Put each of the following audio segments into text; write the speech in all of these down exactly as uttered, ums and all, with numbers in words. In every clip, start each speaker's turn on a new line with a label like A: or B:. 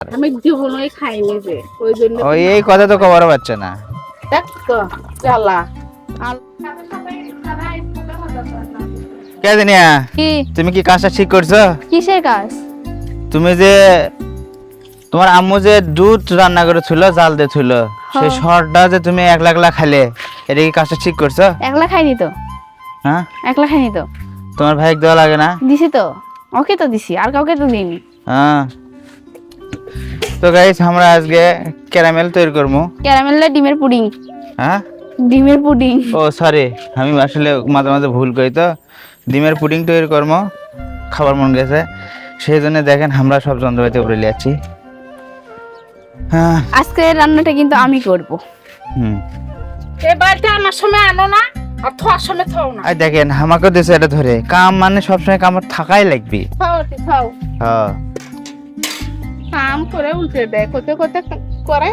A: আমি জীবনই খাইনি যে ওই জন্য
B: ওই এই কথা তো কবার পাচ্ছে না।
A: দেখ তো জ্বালা
B: কে জানিয়া
C: কি
B: তুমি কি কাজটা ঠিক করছো?
C: কিসের কাজ?
B: তুমি যে তোমার আম্মু যে দুধ রান্না করেছিল জাল দিয়েছিল সেই শর্টটা যে তুমি একলা একলা খাইলে, এটা কি কাজটা ঠিক করছো?
C: একলা খাইনি তো।
B: হ্যাঁ
C: একলা খাইনি তো।
B: তোমার ভাইকে দেওয়া লাগে না?
C: দিছি তো, ওকে তো দিছি, আর কাউকে তো দিইনি।
B: হ্যাঁ তো গাইস আমরা আজকে ক্যারামেল তৈরি করবো।
C: ক্যারামেল না ডিমের পুডিং?
B: হ্যাঁ
C: ডিমের পুডিং।
B: ও সরি, আমি আসলে মাঝে মাঝে ভুল করি, তো ডিমের পুডিং তৈরি করবো, খাবার মন গেছে সেই জন্য দেখেন আমরা সব যন্ত্রপাতি উপরে লিয়াচ্ছি। হ্যাঁ
C: আজকে রান্নাটা কিন্তু আমি করব।
B: হুম
A: এই বাড়িতে আনার সময় আনো না আর থোয়ার সময় থাও না।
B: আর দেখেন আমাকে দেশে এটা ধরে কাম মানে সবসময় কাম থাকাই লাগবে।
A: থাও থাও
B: হ্যাঁ
A: কাম করে উল্টে দেয়, কোথায় কোথায় করে।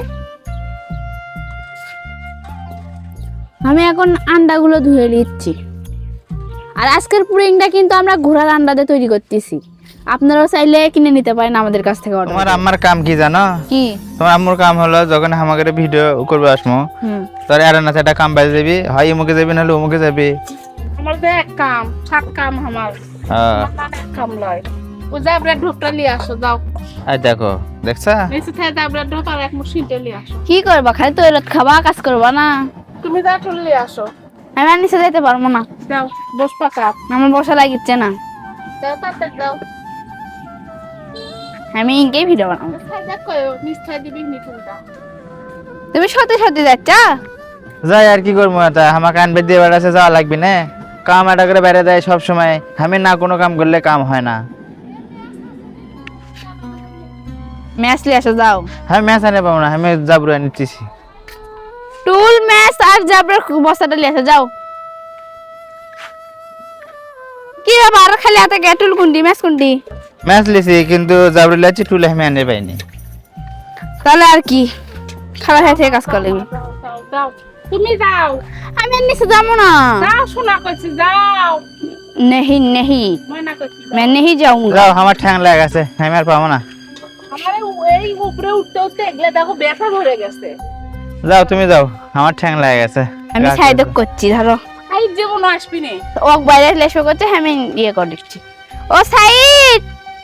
C: আমি এখন আন্ডাগুলো ধুয়ে নিচ্ছি। আর আজকের পুডিংটা কিন্তু আমরা ঘোড়ার আন্ডা দিয়ে তৈরি করতেছি। আপনারাও চাইলে কিনে নিতে পারেন আমাদের কাছ থেকে অর্ডার।
B: তোমার আম্মার কাম কি জানো?
C: কি?
B: তোমার আম্মুর কাম হলো যখন আমাকে ভিডিও করবে আসমো,
C: হুম
B: তোর আর না একটা কাম বাজে যাবি, হয় এমুকে যাবি নাহলে অমুকে যাবি।
A: আমার যে এক কাম সাত কাম আমার
B: হ্যাঁ
A: আমার এক কাম লয়। ও যাবরা ঢোকটা নিয়ে আসো যাও।
B: আর দেখো দেখছা
A: নিচে থেকে যাবরা ঢোক আর এক মুশিনটা নিয়ে আসো।
C: কি করবা? খালি তৈরত খাবা, কাজ করবা না?
A: তুমি যা চলে নিয়ে আসো।
C: আমি আর নিচে যেতে পারবো না,
A: যাও বস পাকা
C: আমার বসা লাগিচ্ছে না।
A: যাও তাড়াতাড়ি যাও।
C: আমি ইনকেই ভিডিও বানাবো।
A: সাইডা কই নিস্তায় দিবি নিটুলটা।
C: তুমি সত্যি সত্যি যাচ্ছ?
B: যাই আর কি করবো, এটা আমাকে আনবে দিয়ে বেড়াচ্ছে, যাওয়া লাগবে না। কাম এটা করে বেড়ে দেয় সব সময়, আমি না কোনো কাম করলে কাম হয় না।
C: ম্যাচ লিয়ে আসো, যাও।
B: আমি ম্যাচ আনে পাবো না, আমি জাবরু নিতেছি।
C: টুল ম্যাচ আর জাবরের বস্তাটা লিয়ে আসো, যাও। কি আবার খালি হাতে গে টুল কুন্ডি ম্যাচ কুন্ডি?
B: ম্যাচ লিছি কিন্তু জাবরু লাচ্ছি, টুলে আমি আনে পাইনি।
C: তাহলে আর কি, খারাপ হয়ে থেকে কাজ করলে।
A: যাও যাও তুমি যাও।
C: আমি আর নিচে যাবো না।
A: যাও শোনা কইছি যাও।
C: নেহি নেহি
A: ময়না কইছি
C: मैं नहीं जाऊंगा।
B: যাও, আমার ঠ্যাং লেগে গেছে, আমি আর পাবো না।
A: আমারে এই উপরে উঠতে উঠতে এগুলা দেখো ব্যথা ধরে গেছে।
B: যাও তুমি যাও, আমার ঠ্যাং লেগে গেছে।
C: আমি সাইড করছি, ধরো।
A: আই জীবন আসবি নে।
C: ও বাইরে লেশো করছে, আমি ইয়ে করে দিচ্ছি। ও সাইড,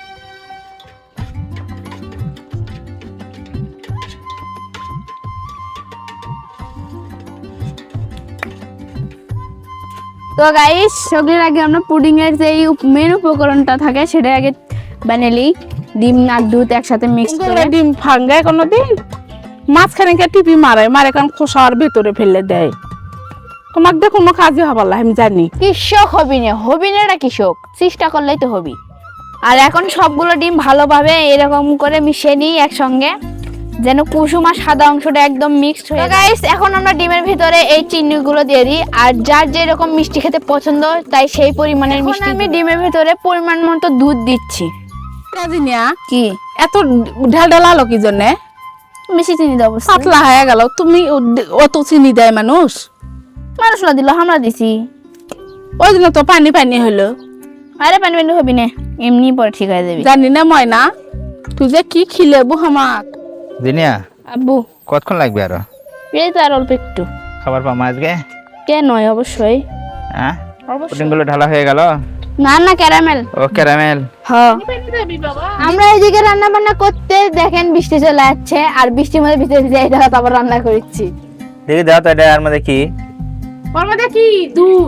C: তো গাইস সবগুলোর আগে আমরা পুডিং এর যে মেন উপকরণটা থাকে সেটা আগে বানালি। ডিম আর দুধ একসাথে মিক্স করে।
A: ডিম ভাঙ্গায় কোনোদিন মাঝখানে কে টিপি মারে মারে কারণ খোসার ভেতরে ফেলে দেয়। তোমার দিয়ে কোনো কাজই হবার না আমি জানি।
C: কৃষক হবি না, হবি না এটা কৃষক, চেষ্টা করলেই তো হবি। আর এখন সবগুলো ডিম ভালোভাবে এরকম করে মিশিয়ে নিই একসঙ্গে, যেন কুসুম আর সাদা অংশটা একদম মিক্সড হয়ে যায়। গাইস এখন আমরা ডিমের ভিতরে এই চিনিগুলো দিয়ে দিই, আর যার যেরকম মিষ্টি খেতে পছন্দ তাই সেই পরিমাণের মিষ্টি। আমি ডিমের ভিতরে পরিমাণ মতো দুধ দিচ্ছি।
A: কাজিনিয়া
C: কি
A: এত ঢাল ঢাল আলো কি জন্যে?
C: বেশি চিনি দেবো,
A: পাতলা হয়ে গেল। তুমি অত চিনি দেয় মানুষ?
C: মানুষরা দিল, আমরা দিছি।
A: ওই জন্য তো পানি পানি হলো।
C: আরে পানি পানি হবি না, এমনি পরে ঠিক হয়ে যাবি।
A: জানি না ময়না তুই যে কি খিলেবু আমার।
B: দিনিয়া
C: আব্বু
B: কতক্ষণ লাগবে আরো?
C: এই তো আর অল্প একটু।
B: খাবার পাবো আজকে?
C: কে নয়, অবশ্যই
B: হ্যাঁ পুডিং গুলো ঢালা হয়ে গেল।
C: না না ক্যারামেল।
B: ও ক্যারামেল।
C: হ্যাঁ আমরা এইদিকে রান্না বান্না করতে দেখেন বৃষ্টি চলে যাচ্ছে, আর বৃষ্টির মধ্যে ভিতরে ভিজে এটা তারপর রান্না করছি।
B: দেখি দাও তো এটা, আর মধ্যে কি?
A: ওর মধ্যে কি দুধ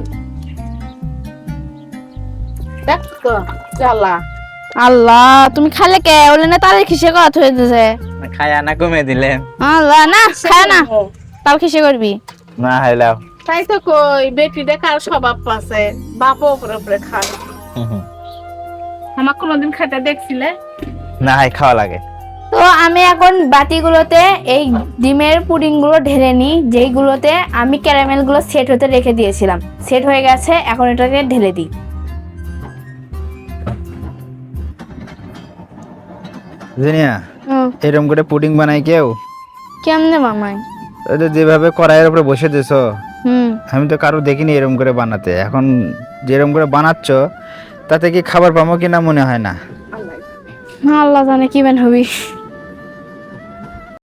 A: দেখ তো জ্বালা।
C: আল্লাহ তুমি খালে কে বলে না, তাহলে খিসে করা হয়ে যাচ্ছে।
B: খায়া না কমে দিলে?
C: আল্লাহ না খায় না, তাও খিসে করবি
B: না হাইলাও।
A: তাই তো কই বেটি দেখার স্বভাব আছে, বাপও উপরে উপরে খায়। আমার কোনোদিন খাইতে দেখছিলে?
B: না হাই খাওয়া লাগে।
C: তো আমি এখন বাটিগুলোতে এই ডিমের পুডিং গুলো ঢেলে নিই, যেইগুলোতে আমি ক্যারামেল গুলো সেট হতে রেখে দিয়েছিলাম। সেট হয়ে গেছে, এখন এটাকে ঢেলে দিই।
B: জিনিয়া এরকম করে পুডিং বানাই কেউ?
C: কেমনে মামাই?
B: ওই তো যেভাবে কড়াইয়ের উপরে বসে দিছো,
C: হুম
B: আমি তো কারো দেখিনি এরকম করে বানাতে। এখন যেরকম করে বানাচ্ছ তাতে কি খাবার পাবো কিনা মনে হয় না।
C: আল্লাহ জানে কি বেন হবি।